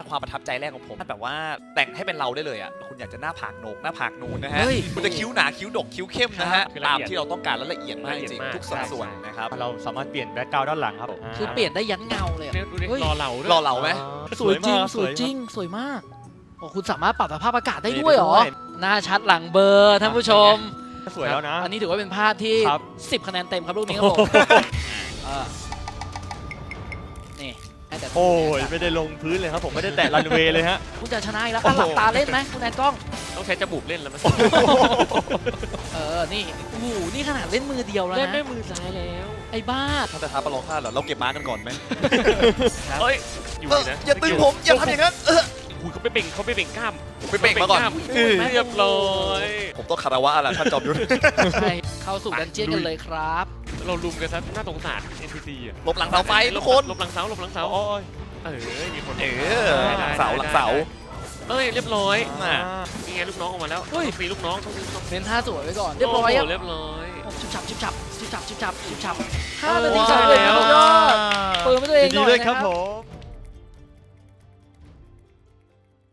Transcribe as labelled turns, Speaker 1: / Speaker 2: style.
Speaker 1: ความประทับใจแรกของผมแบบว่าแต่งให้เป็นเราได้เลยอ่ะคุณอยากจะหน้าผากโหนกหน้าผากนูนนะฮะคุณจะคิ้วหนาคิ้วดกคิ้วเข้มนะฮะตามที่เราต้องการและละเอียดมากจริงทุกสัดส่วนนะครับ
Speaker 2: เราสามารถเปลี่ยนแบ็คกราวด์ด้านหลังครับ
Speaker 3: คือเปลี่ยนได้ยันเงาเลยอะ
Speaker 4: ดูดิ
Speaker 3: เฮ้ย
Speaker 4: รอเหลาด้วย
Speaker 1: รอเหลาไหม
Speaker 3: สวยจริงสวยจริงสวยมากโอ้คุณสามารถปรับสภาพอากาศได้ด้วยเหรอหน้าชัดหลังเบลอร์ท่านผู้ชม
Speaker 2: สวยแล้วนะ
Speaker 3: อันนี้ถือว่าเป็นภาพที่
Speaker 2: ครับ
Speaker 3: 10 คะแนนเต็มครับลูกนี้ครับผมนี่ให้แต่
Speaker 2: โอ้ยไม่ได้ลงพื้นเลยครับผมไม่ได้แตะรันเวย์เลยฮะ
Speaker 3: คุณจะชนะอีกแล้วอ่ะหลับตาเล่นไหมคุณแอนกล้อง
Speaker 4: ต้องใช้จมูกเล่นแล้วมั้ย
Speaker 3: นี่โอ้โหนี่ขนาดเล่นมือเดียวแล้ว
Speaker 4: เล่น
Speaker 3: นะ
Speaker 4: ด้วยมือซ้ายแล้ว
Speaker 3: ไอ้บ้า
Speaker 1: ถ้าจะท้าประลองค่าเหรอเราเก็บม้ากันก่อนไหม
Speaker 4: เอ้ยอยู่ดีนะ
Speaker 1: อย่าตึงผมอย่าทำอย่างนั้น
Speaker 4: อุ้ยเขาไปเบ่งกล้าม
Speaker 1: ผมไปเบ่งมาก่อน
Speaker 4: เรียบร้อย
Speaker 1: ผมต้องคารวะอะไรท่านจอมยุทธ
Speaker 3: ใช่เข้าสู่ดันเจี้ยนกันเลยครับ
Speaker 4: เราลุมกันซะน่าสงสาร NPC อ่ะ
Speaker 1: หลบหลังเสาไฟทุกคน
Speaker 4: หลบหลังเสาหลบหลังเสา
Speaker 2: โอ้ย
Speaker 4: มีคน
Speaker 1: หลังเสาหลังเสา
Speaker 4: เอ้ยเรียบร้อย
Speaker 1: อ่ะ
Speaker 4: นี่ไงลูกน้องออกมาแล้วมีลูกน้องต้องมีลูกน้อง
Speaker 3: เน้นท่าสวยไว้ก่อนเรียบร้อยครับ
Speaker 4: เรียบร้อย
Speaker 3: ชิบฉับชิบฉับชิบฉับชิบฉับชิบฉับ5 นาที
Speaker 4: ว้าว
Speaker 3: สุดยอดเปิดให้ตัวเองห
Speaker 2: ดี
Speaker 3: น่อย
Speaker 2: เลย
Speaker 3: นะ
Speaker 2: ครับผม